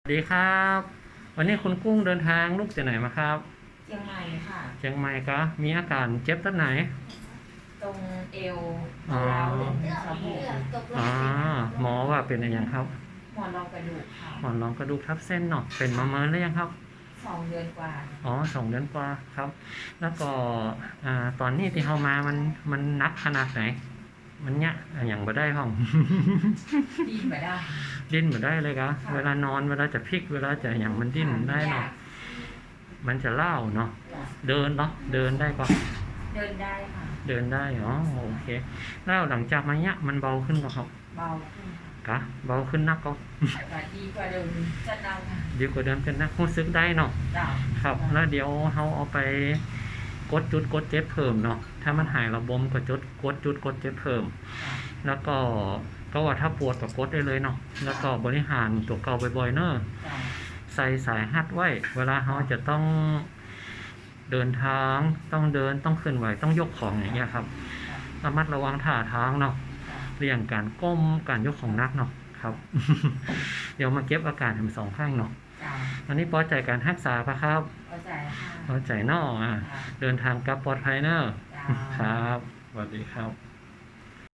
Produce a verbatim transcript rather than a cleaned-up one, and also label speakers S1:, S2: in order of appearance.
S1: สวัสดีครับวันนี้คุณกุ้งเดินทางลูกจากไหนมาครับ
S2: เชียงใหม่ค่ะ
S1: เชียงใหม่ก็มีอาการเจ็บตรงไหน
S2: ตรงเอว
S1: อ๋อ
S2: ร้าวเลยสะโพก
S1: อ๋อหมอว่าเป็นอะไรยังครับ
S2: หมอนรองกระดูกค่ะ
S1: หมอนรองกระดูกทับเส้นเนาะเป็นมาเมินหรือยังครับ
S2: สองเดือนกว่า
S1: อ๋อสองเดือนกว่าครับแล้วก็อ่าตอนนี้ที่เขามามันมันนักขนาดไหนมันเนี้ยอย่างบ่ได้ห้อง
S2: ดิ้นไม่ได้
S1: ดิ้นบ่ได้เลยครับเวลานอนเวลาจะพลิกเวลาจะอย่างมันดิ้นได้เนาะมันจะเล่าเนาะเดินเนาะเดินได้ปะ
S2: เดินได้ค่ะ
S1: เดินได้อ๋อโอเคแล้วหลังจากมาเนี้ยมันเบาขึ้นก็ครับ
S2: เบาขึ้น
S1: กะเบาขึ้นนักก็
S2: ค่ะดีกว่าเดิมจะเดาค่ะ
S1: ดีกว่าเดิมเป็นนักรู้สึกได้เนาะ
S2: เดา
S1: ครับแล้วเดี๋ยวเขาเอาไปกดจุดกดเจ็บเพิ่มเนาะถ้ามันหายระบมก็จุดกดจุดกดเจ็บเพิ่มแล้วก็ก็ว่าถ้าปวดก็กดได้เลยเนาะแล้วก็บริหารตัวเก่าบ่อยๆเนอะใส่สายฮัดไว้เวลาเขาจะต้องเดินทางต้องเดินต้องเคลื่อนไหวต้องยกของอย่างเงี้ยครับระมัดระวังท่าทางเนาะเรื่องการก้มการยกของนักเนาะครับ เดี๋ยวมาเก็บอาการทั้งสองข้างเนาะอันนี้พอใจการรักษาปะครับ
S2: พอใจค่ะ
S1: พอใจเนาะอ่ะเดินทางกลับปลอดภัยเนาะครับสวัสดีครับ